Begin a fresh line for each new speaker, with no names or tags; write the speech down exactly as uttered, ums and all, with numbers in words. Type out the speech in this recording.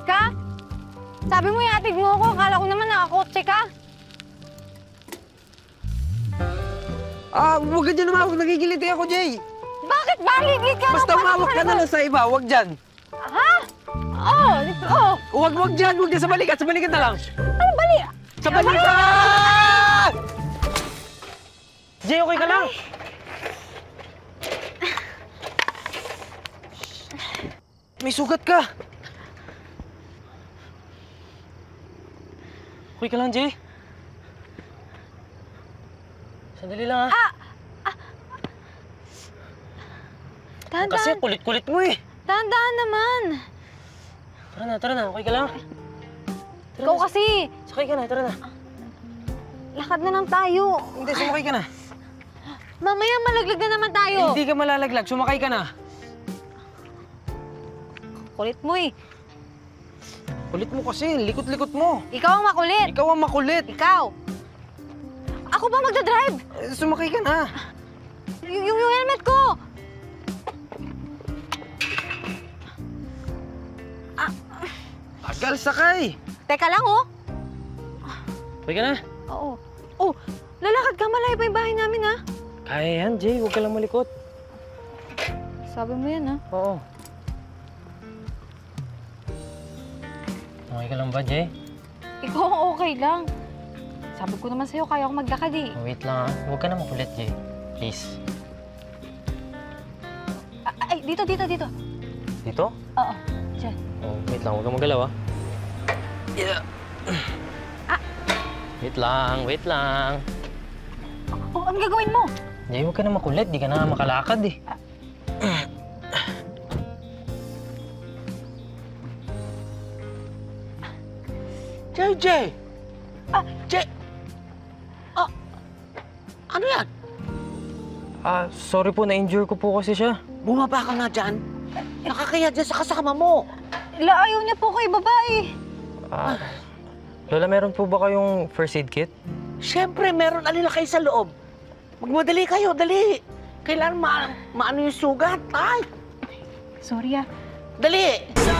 ka? Sabi mo ihatid mo ako. Akala ko naman nakakotse ka.
Ah, huwag ka dyan umawag. Nagigiliti ako, Jay.
Bakit ba? Ligid ka.
Basta umawag ka na lang sa iba. Huwag dyan.
Ha? Oo, oh, dito. Oh.
Huwag, huwag dyan. Huwag dyan. Sa balikat. Sa balikat na lang.
Ano bali?
Sa balikat! Jay, okay ka lang? May sugat ka. Okay ka lang, Jay? Sandali lang, ha?
Ah! ah. Dahan-dahan.
Kasi kulit-kulit mo, eh.
Dahan-dahan naman.
Tara na, tara na. Okay ka lang? Tara
Ikaw
na,
kasi.
sakay ka na, tara na.
Lakad na lang tayo.
Hindi, sumakay ka na.
Mamaya malaglag na naman tayo.
Hindi ka malalaglag. Sumakay ka na.
Kulit mo eh.
Kulit mo kasi. Likot-likot mo.
Ikaw ang makulit.
Ikaw ang makulit.
Ikaw. Ako ba magdadrive?
Eh, Sumakay ka na.
Y- yung, yung helmet ko.
Tagal sakay.
Teka lang oh.
Okay ka na?
Oo. Oh, lalakad ka. Malayo pa yung bahay namin ha.
Kaya yan, Jay. Huwag ka lang malikot.
Sabi mo yan ha.
Oo. Okay ka lang ba, Jay?
Ikaw ang okay lang. Sabi ko naman sa'yo, kaya ako maglakad eh.
Oh, wait lang, ha? Huwag ka na makulit, Jay. Please.
Ah, ay, dito, dito, dito.
Dito?
Oo, dyan.
Oh, wait lang. Huwag ka magalaw, ha? Yeah.
Ah.
Wait lang, wait lang.
Oh, ano gagawin mo?
Jay, huwag ka na makulit. Di ka na makalakad, eh.
Jay, Jay!
Ah.
Jay! Ah, ano yan?
Ah, sorry po. Na-injure ko po kasi siya.
Bumaba ka nga dyan. Nakakaya dyan sa kasama mo.
La, ayaw niya po kay babae.
Ah, Lola, meron po ba kayong first aid kit?
Siyempre, meron alila kayo sa loob. Magmadali kayo, dali. Kailangan ma maano yung sugat. Ay,
Sorry ah.
dali.